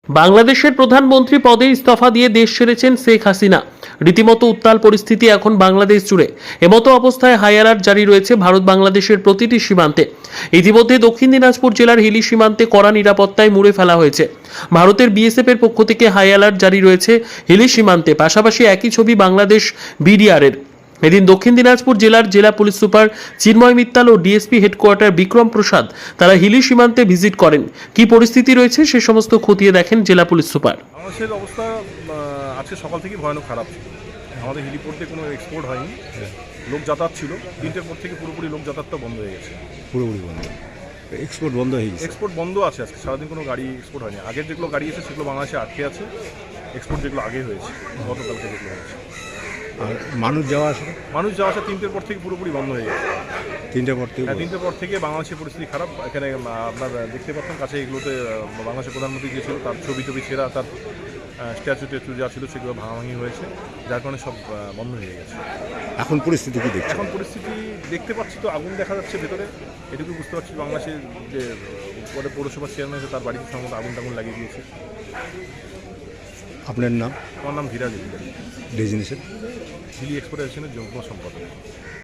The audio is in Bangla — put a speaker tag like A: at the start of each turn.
A: বাংলাদেশের প্রধানমন্ত্রী পদে ইস্তফা দিয়ে দেশ ছেড়েছেন শেখ হাসিনা। রীতিমতো উত্তাল পরিস্থিতি এখন বাংলাদেশ জুড়ে। এমতো অবস্থায় হাই অ্যালার্ট জারি রয়েছে ভারত বাংলাদেশের প্রতিটি সীমান্তে। ইতিমধ্যে দক্ষিণ দিনাজপুর জেলার হিলি সীমান্তে কড়া নিরাপত্তায় মুড়ে ফেলা হয়েছে। ভারতের বিএসএফ এর পক্ষ থেকে হাই অ্যালার্ট জারি রয়েছে হিলি সীমান্তে। পাশাপাশি একই ছবি বাংলাদেশ বিডিআর এর। এদিন দক্ষিণ দিনাজপুর জেলার জেলা পুলিশ সুপার চিন্ময় মিত্তাল ও ডিএসপি হেডকোয়ার্টার বিক্রম প্রসাদ তারা হিলি সীমান্তে ভিজিট করেন। কি পরিস্থিতি রয়েছে সে সমস্ত খতিয়ে দেখেন জেলা পুলিশ সুপার।
B: বাংলাদেশের অবস্থা আজকে সকাল থেকে ভয়ানক খারাপ ছিল। আমাদের হেলিপোর্ট দিয়ে কোনো এক্সপোর্ট হয়নি, লোক যাতায়াত ছিল। 3টের পর থেকে পুরোপুরি লোক যাতায়াতটা বন্ধ হয়ে গেছে।
C: পুরোপুরি বন্ধ, এক্সপোর্ট বন্ধ হয়ে গেছে।
B: এক্সপোর্ট বন্ধ আছে আজকে সারাদিন, কোনো গাড়ি এক্সপোর্ট হয়নি। আগের যেগুলো গাড়ি আছে সেগুলো বাংলাদেশে আটকে আছে। এক্সপোর্ট যেগুলো আগে হয়েছে গতকালকে যেগুলো হয়েছে।
C: আর মানুষ যাওয়া আসা
B: 3টের পর থেকে পুরোপুরি বন্ধ হয়ে গেছে।
C: 3টের পর থেকে
B: 3টের পর থেকে বাংলাদেশের পরিস্থিতি খারাপ। এখানে আপনার দেখতে পাচ্ছেন কাছে এগুলোতে বাংলাদেশের প্রধানমন্ত্রী যে ছিল তার ছবি ছেঁড়া, তার স্ট্যাচু যা ছিল সেগুলো ভাঙাভাঙি হয়েছে, যার কারণে সব বন্ধ হয়ে গেছে।
C: এখন পরিস্থিতি কি দেখছেন?
B: এখন পরিস্থিতি দেখতে পাচ্ছি তো আগুন দেখা যাচ্ছে ভেতরে, এটুকু বুঝতে পারছি। বাংলাদেশের যে পরে পৌরসভার চেয়ারম্যান আছে তার বাড়িতে সম্ভবত আগুন লাগিয়ে দিয়েছে।
C: আপনার নাম?
B: আমার নাম ধীরাজ,
C: ডেজিনেশন
B: হিলি এক্সপোর্টেশনের যুগ্ম সম্পাদক।